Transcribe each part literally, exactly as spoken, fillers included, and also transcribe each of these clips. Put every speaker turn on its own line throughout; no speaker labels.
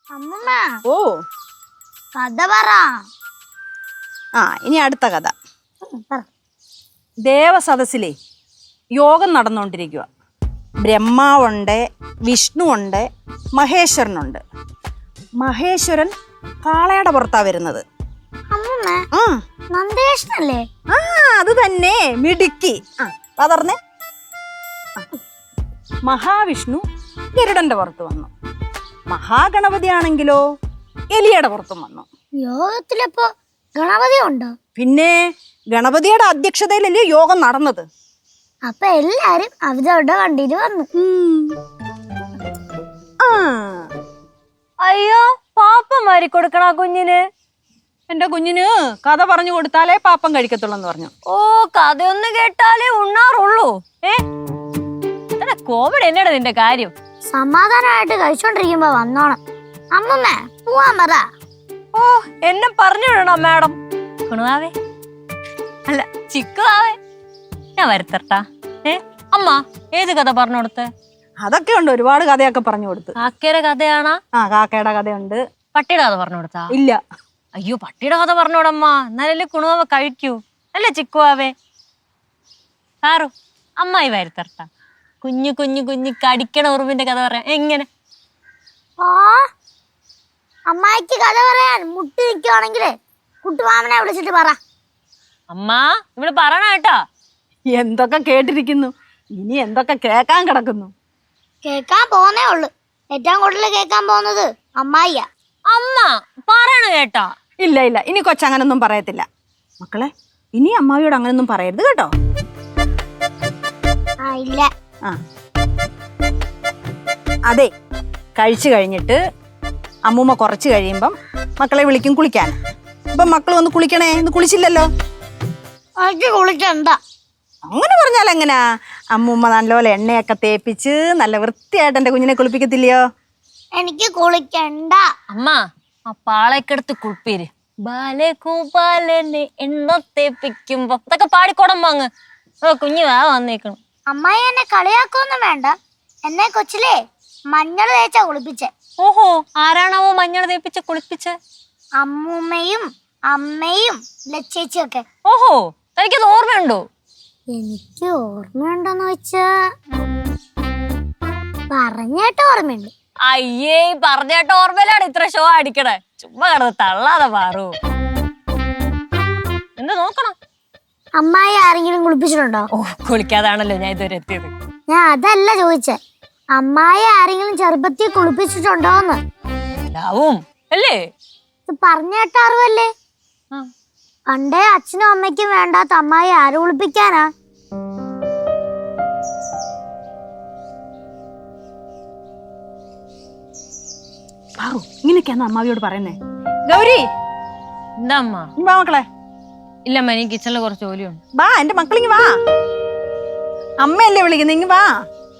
അമ്മമ്മ
ഓ
കഥ പറ.
ആ ഇനി അടുത്ത കഥ.
പറ.
ദേവസദസ്സിലെ യോഗം നടന്നുകൊണ്ടിരിക്കുക. ബ്രഹ്മാവുണ്ട്, വിഷ്ണുവുണ്ട്, മഹേശ്വരനുണ്ട്. മഹേശ്വരൻ കാളയുടെ പുറത്താ വരുന്നത്.
അമ്മമ്മ
ആ
നന്ദേഷനല്ലേ?
ആ അത് തന്നെ, മിടുക്കി. ആ പതർന്നേ. മഹാവിഷ്ണു ഗരുഡന്റെ പുറത്ത് വന്നു. മഹാഗണപതി ആണെങ്കിലോ എലിയുടെ പുറത്തും വന്നു.
യോഗത്തിലപ്പോ ഗണപതി ഉണ്ടോ?
പിന്നെ ഗണപതിയുടെ അധ്യക്ഷതയിലല്ലേ യോഗം നടന്നത്.
അപ്പൊ എല്ലാരും അവരുടെ വണ്ടിയിൽ വന്നു.
ആ
അയ്യോ പാപ്പം വാരി കൊടുക്കണ കുഞ്ഞിന്.
എന്റെ കുഞ്ഞിന് കഥ പറഞ്ഞു കൊടുത്താലേ പാപ്പം കഴിക്കത്തുള്ളൂ എന്ന് പറഞ്ഞു.
ഓ കഥയൊന്ന് കേട്ടാലേ ഉണ്ണാറുള്ളൂ. ഏ കോവിഡ് എന്നടാ നിന്റെ കാര്യം?
സമാധാനമായിട്ട് കഴിച്ചോണ്ടിരിക്കുമ്പോ വന്നോണം. അമ്മമ്മ പോവാൻ പറ.
ഓ എന്നെ പറഞ്ഞു വിടണോ മാഡം? കുണുവാവേ അല്ല ചിക്കുവാവേ, ഞാൻ വരുത്തട്ടാ. ഏ അമ്മ ഏത് കഥ പറഞ്ഞു കൊടുത്തേ?
അതൊക്കെ ഉണ്ട്, ഒരുപാട് കഥയൊക്കെ പറഞ്ഞു കൊടുത്ത്.
കാക്കയുടെ കഥയാണാ?
ആ കാക്കയുടെ കഥയുണ്ട്.
പട്ടിയുടെ കഥ പറഞ്ഞു കൊടുത്താ?
ഇല്ല.
അയ്യോ പട്ടിയുടെ കഥ പറഞ്ഞോടമ്മ, എന്നാലല്ലേ കുണുവാവ കഴിക്കൂ. അല്ലേ ചിക്കുവാവേ? സാറു അമ്മായി വരുത്തട്ടാ. കുഞ്ഞു കുഞ്ഞു കുഞ്ഞു കടിക്കണ ഉറുമ്പിന്റെ കഥ പറയാം എങ്ങനെ?
ആ അമ്മായിക്ക് കഥ പറയാൻ മുട്ടി നിൽക്കുവാണെങ്കിലേ കുട്ടുമാമനെ വിളിച്ചിട്ട് പറ.
അമ്മ ഇവിടെ പറയണ കേട്ടാ.
എന്തൊക്കെ കേട്ടിരിക്കുന്നു, ഇനി എന്തൊക്കെ കേക്കാൻ കിടക്കുന്നു.
കേക്കാൻ പോന്നേ ഉള്ളു. ഏറ്റവും കൂടുതൽ കേക്കാൻ പോകുന്നത് അമ്മായിയാ.
അമ്മ പറയണ കേട്ടാ.
ഇല്ല ഇല്ല, ഇനി കൊച്ചങ്ങനൊന്നും പറയത്തില്ല. മക്കളെ ഇനി അമ്മാവിയോട് അങ്ങനൊന്നും പറയരുത് കേട്ടോ.
ആ ഇല്ല.
ആ അതെ, കഴിച്ചു കഴിഞ്ഞിട്ട് അമ്മൂമ്മ കുറച്ച് കഴിയുമ്പം മക്കളെ വിളിക്കും കുളിക്കാൻ. ഇപ്പം മക്കൾ വന്ന് കുളിക്കണേ, ഇന്ന് കുളിച്ചില്ലല്ലോ.
എനിക്ക് കുളിക്കണ്ട.
അങ്ങനെ പറഞ്ഞാൽ എങ്ങനാ? അമ്മൂമ്മ നല്ലപോലെ എണ്ണയൊക്കെ തേപ്പിച്ച് നല്ല വൃത്തിയായിട്ട് എന്റെ കുഞ്ഞിനെ കുളിപ്പിക്കത്തില്ലയോ?
എനിക്ക് കുളിക്കണ്ട.
അമ്മ ആ പാളക്കെടുത്ത് കുളിപ്പീര്. ബാലകൂപാലനെ എണ്ണ തേപ്പിക്കുമ്പോ ഇതൊക്കെ പാടിക്കോടം വാങ്ങ്. ഓ കുഞ്ഞു വാ വന്നേക്കണം.
അമ്മായി എന്നെ കളിയാക്കൊന്നും വേണ്ട. എന്നെ കൊച്ചിലേ മഞ്ഞൾ തേച്ചാ കുളിപ്പിച്ചേ.
ഓഹോ ആരാണാവോ മഞ്ഞൾ തേപ്പിച്ച് കുളിപ്പിച്ച്?
അമ്മൂമ്മയും അമ്മയും ലച്ചേച്ചിയും ഒക്കെ.
ഓഹോ തനിക്കത് ഓർമ്മയുണ്ടോ?
എനിക്ക് ഓർമ്മയുണ്ടോന്ന് വെച്ചാ പറഞ്ഞേട്ട ഓർമ്മയുണ്ട്.
അയ്യേ പറഞ്ഞേട്ട ഓർമ്മയിലാണ് ഇത്ര ഷോ അടിക്കണേ. ചുമ്മാ കിടന്ന് തള്ളാതെ പാറു. എന്താ നോക്കണം?
അമ്മായി ആരെങ്കിലും കുളിപ്പിച്ചിട്ടുണ്ടോ?
ഓ കുളിക്കാതാണല്ലോ ഞാൻ ഇതുവരെ എത്തിയത്.
ഞാൻ അതല്ല ചോദിച്ചേ, അമ്മായി ആരെങ്കിലും ചെറുപ്പത്തിൽ കുളിപ്പിച്ചിട്ടുണ്ടോന്ന്.
ഉണ്ടാവും അല്ലേ?
ഇത് പറഞ്ഞേട്ട അറിവല്ലേ? പണ്ടേ അച്ഛനും അമ്മയ്ക്കും വേണ്ടാത്ത അമ്മായി ആര് കുളിപ്പിക്കാനാ?
ഇങ്ങനെയൊക്കെയാന്ന് അമ്മാവിയോട് പറയുന്നേ. ഗൗരി
എന്താ അമ്മ?
വാ മക്കളെ.
ഇല്ലമ്മ എനിക്ക് കിച്ചണില് കുറച്ച് ജോലിയുണ്ട്.
വാ എന്റെ മക്കളിങ്ങി വാ. അമ്മയല്ലേ വിളിക്കുന്നത്, ഇങ്ങ് വാ.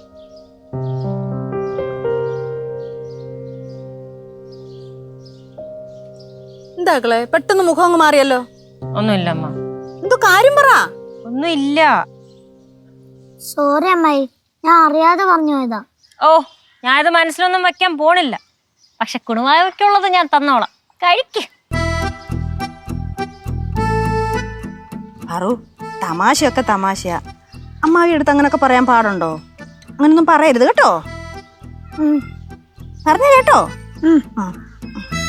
എന്താ മക്കളെ പെട്ടെന്ന് മുഖം അങ്ങ് മാറിയല്ലോ?
ഒന്നുമില്ല അമ്മ.
എന്തോ കാര്യം പറ.
ഒന്നുമില്ല.
സോറി അമ്മായി, ഞാൻ അറിയാതെ പറഞ്ഞു പോയതാ.
ഓ ഞാനിത് മനസ്സിലൊന്നും വെക്കാൻ പോണില്ല. പക്ഷെ കുണുവാവയ്ക്കുള്ളത് ഞാൻ തന്നോളാം, കഴിക്ക്.
പറു തമാശയൊക്കെ തമാശയാ. അമ്മാവി എടുത്ത് അങ്ങനൊക്കെ പറയാൻ പാടുണ്ടോ? അങ്ങനൊന്നും പറയരുത് കേട്ടോ. പറഞ്ഞു കേട്ടോ. ആ